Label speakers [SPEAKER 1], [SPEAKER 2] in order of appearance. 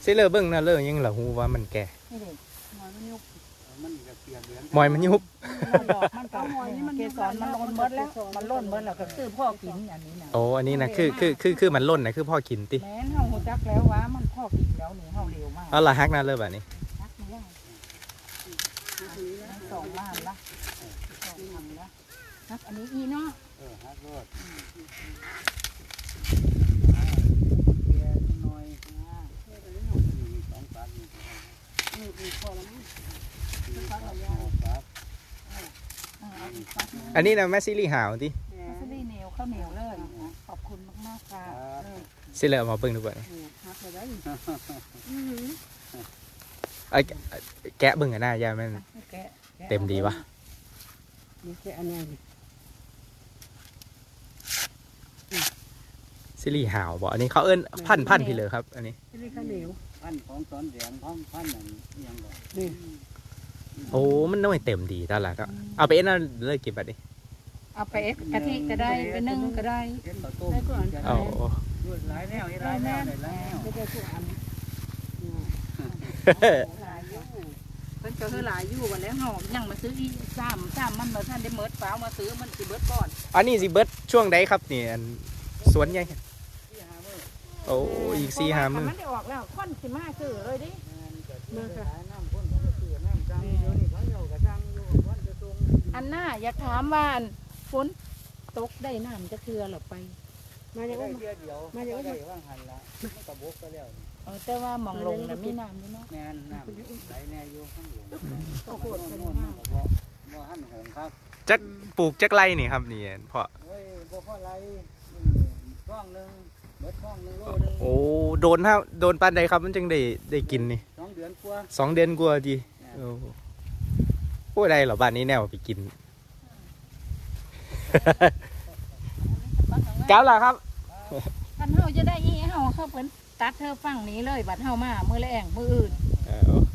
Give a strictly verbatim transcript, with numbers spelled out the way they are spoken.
[SPEAKER 1] สิเลอเบิ่งน่ะเลอยังล่ะฮู้ว่ามันแก่
[SPEAKER 2] นี่เด็กหอยมันยุบ
[SPEAKER 3] มันก็เปียกเหลือง
[SPEAKER 1] มอยมันยุบ
[SPEAKER 2] มันดอกมันกับหอยนี่มันเกสรมันล้นเบิดแล้วมันล้นเบิดแล้วก็คือพ่อกินอย่างนี้นะ
[SPEAKER 1] โอ้อันนี้นะคือคือคือคือมันล่นนะคือพ่อกินติ
[SPEAKER 2] แม้นเฮาหูจักแล้วว่ามันพ่อกินแล้วนี่เฮาเร็วมาก
[SPEAKER 1] เอาละฮักน่ะเลอแบบนี้
[SPEAKER 2] นักไม่ได้สองล้านละสองพันละนักอันนี้อีเนาะ
[SPEAKER 3] เออฮักรถเปียกหน่อยมีสองปากนี่
[SPEAKER 2] นี่อีพอแล้วมั้ง
[SPEAKER 3] มีปากปาก
[SPEAKER 2] เอาอีกสักนึง
[SPEAKER 1] อันนี้นะแม่ซิลี่หาวติ
[SPEAKER 2] มัสลีเหนียวข้าวเหนียวเลยขอบคุณมากๆค่ะ
[SPEAKER 1] สิเลอเอามาเบิ่งดูก่อน
[SPEAKER 2] ฮักเลยได้
[SPEAKER 1] ไอ้แกะเบิ่งกันหน้ายายมัน
[SPEAKER 2] แกะ
[SPEAKER 1] เต็มดีวะ
[SPEAKER 2] นี่แกะอันนี้
[SPEAKER 1] ซิลี่หาวบ่อันนี้เขาเอิ้นพันพันพี่เลยครับอันนี้
[SPEAKER 2] นี่ข้าวเหนียว
[SPEAKER 3] พันของตอนแดงพันพันนั่นยังบ่
[SPEAKER 2] นี่
[SPEAKER 1] โอ้มันน้อยเต็มดีตอนละก็เอาไปเอ็นเอาเลยกินบัดนี้
[SPEAKER 2] เอาไปเอ็ดกะทิก็ได้ไปนึ่งก็ได้
[SPEAKER 3] เห็นข้าวต้ม
[SPEAKER 1] เอา
[SPEAKER 3] หลายแนวหลายแนวหลายแนว
[SPEAKER 2] ไม่ได้ทุกอันหลายอยู่เพิ่นก็คือหลายอยู่วันแล้วเฮายังมาซื้ออีซ้ำซ้ำมันมาท่านได้เมิดฟ้ามาซื้อมันสิเบิดก่อน
[SPEAKER 1] อันนี้สิเบิดช่วงใดครับนี่อันสวนใหญ่โอ้อีกสี่ห้ามื้อ
[SPEAKER 2] มันได้ออกแล้วค่อนสิมาซื้อเลยดิ
[SPEAKER 3] มือค่ะน้ำพ่นเขาก็ซื้อน้ำจังอยู่นี่เขาเอากระจังอยู่วันจะตรง
[SPEAKER 2] อันหน้าอยากถามว่าฝนตกได้น้ำจะเคือหรอไป
[SPEAKER 3] มาอย่างนั้นเดียวเดียวมาอย่างนั้นว่างหันละมันกระบกก็แล้ว
[SPEAKER 2] เออแต่ว่ามองลงน่ะมีน้ำอยู่เนาะ
[SPEAKER 3] แน่นน้ำไหลแน่อยู่ข้างหลังก็โคตรเป็นน้ำบ่บ่หันหงครับ
[SPEAKER 1] จักปลูกจักไรนี่ครับนี่พ่อ
[SPEAKER 3] เฮ้ยบ่พอไรร่องหนึ่งเบิดร่องหนึ่งโลหนึ่ง
[SPEAKER 1] โอ้โดนฮะโดนปานใดครับมันจึงได้ได้กินนี่
[SPEAKER 3] สองเดือนกว่า
[SPEAKER 1] สองเดือนกว่าดีโอ้โอ้ได้เหรอบ้านนี้แนวไปกิน เก้าล่ะครับ
[SPEAKER 2] คันเฮาจะได้อีเฮาเข้าเพิ่นตัดเธอฝั่งนี้เลยบัดเฮามามื้อแรงมื้ออื่น
[SPEAKER 1] เอา